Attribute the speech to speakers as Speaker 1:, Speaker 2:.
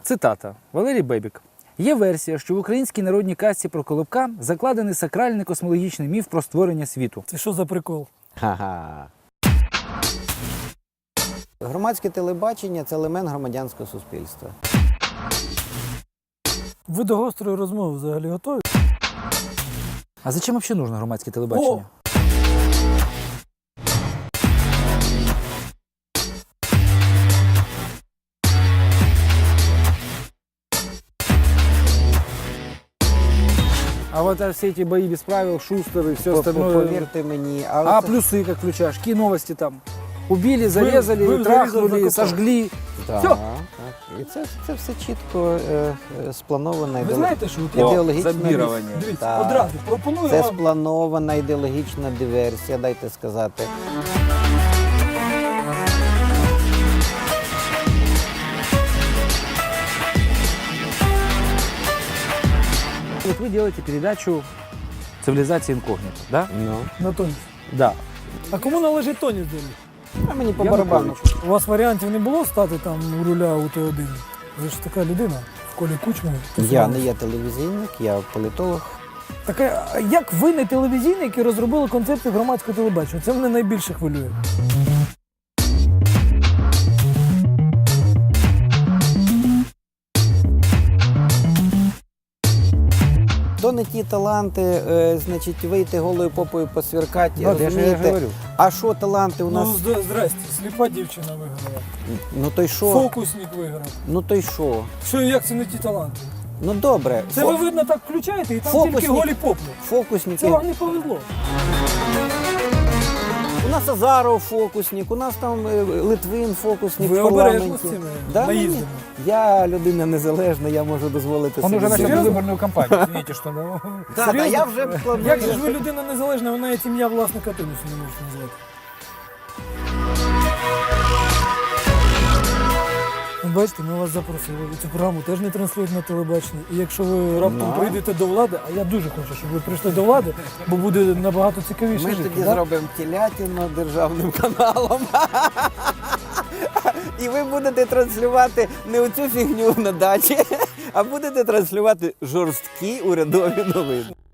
Speaker 1: Цитата. Валерій Бебік. Є версія, що в українській народній казці про Колобка закладений сакральний космологічний міф про створення світу.
Speaker 2: Це що за прикол?
Speaker 3: Ха-ха. Громадське телебачення – це елемент громадянського суспільства.
Speaker 2: Ви до гострої розмови взагалі готові?
Speaker 1: А зачем взагалі нужно громадське телебачення?
Speaker 2: О!
Speaker 1: А вот все эти бои без правил, Шустер и все остальное.
Speaker 3: Повірте мені.
Speaker 1: А плюсы как включаешь? Какие новости там? Убили, зарезали,
Speaker 2: ви
Speaker 1: трахнули,
Speaker 2: закопали.
Speaker 1: сожгли.
Speaker 3: Так,
Speaker 1: Всьо.
Speaker 3: так. І це все чітко спланована
Speaker 2: Ви знаєте, що от
Speaker 3: ідеологічна
Speaker 1: зомбірування.
Speaker 2: Дивіться,
Speaker 3: Так.
Speaker 2: одразу пропоную
Speaker 3: Це
Speaker 2: вам.
Speaker 3: спланована ідеологічна диверсія, дайте сказати.
Speaker 1: Вот вы делаете передачу «Цивилизация инкогнито», да?
Speaker 3: Ну,
Speaker 2: На тоніс.
Speaker 1: Да.
Speaker 2: А кому належить тоніс далі?
Speaker 3: а мені по
Speaker 1: Янукович.
Speaker 3: барабану.
Speaker 2: У вас варіантів не було стати там у руля у Т1? Ви ж така людина в колі Кучми.
Speaker 3: Я не є телевізійник, я політолог.
Speaker 2: Так а як ви не телевізійний, які розробили концепцію громадського телебачення? Це мене найбільше хвилює.
Speaker 3: То не ті таланти, значить, вийти голою попою посвіркати,
Speaker 1: Да, я ж
Speaker 3: розумієте?
Speaker 1: говорю.
Speaker 3: А що таланти у нас?
Speaker 2: Ну, здрасте, сліпа дівчина виграла.
Speaker 3: Ну то й що?
Speaker 2: Фокусник виграв.
Speaker 3: Ну то й що?
Speaker 2: Що, як це не ті таланти?
Speaker 3: Ну добре.
Speaker 2: Це ви, видно, так включаєте і там
Speaker 3: Фокусник.
Speaker 2: тільки голі попли.
Speaker 3: Фокусники.
Speaker 2: Це вам не повезло.
Speaker 3: У нас Азаров фокусник, у нас там Литвин фокусник
Speaker 2: Ви
Speaker 3: в парламенті.
Speaker 2: обережно з цими
Speaker 3: Да,
Speaker 2: наїздами.
Speaker 3: ні. Я людина незалежна, я можу дозволити
Speaker 1: Он
Speaker 3: собі.
Speaker 1: уже начал
Speaker 2: Серьезно?
Speaker 1: выборную кампанию. Извините, что... ну,
Speaker 3: Так,
Speaker 2: Серйозно?
Speaker 3: я вже планую.
Speaker 2: Як же ж ви людина незалежна, ви навіть ім'я власника тенісу не можете назвати? Ну, бачите, ми вас запросили. Цю програму теж не транслюють на телебаченні. І якщо ви раптом
Speaker 3: Ну.
Speaker 2: прийдете до влади, а я дуже хочу, щоб ви прийшли до влади, бо буде набагато цікавіше
Speaker 3: Ми
Speaker 2: жити.
Speaker 3: тоді
Speaker 2: да?
Speaker 3: зробимо телятину державним каналом. І ви будете транслювати не оцю фігню на дачі, а будете транслювати жорсткі урядові новини.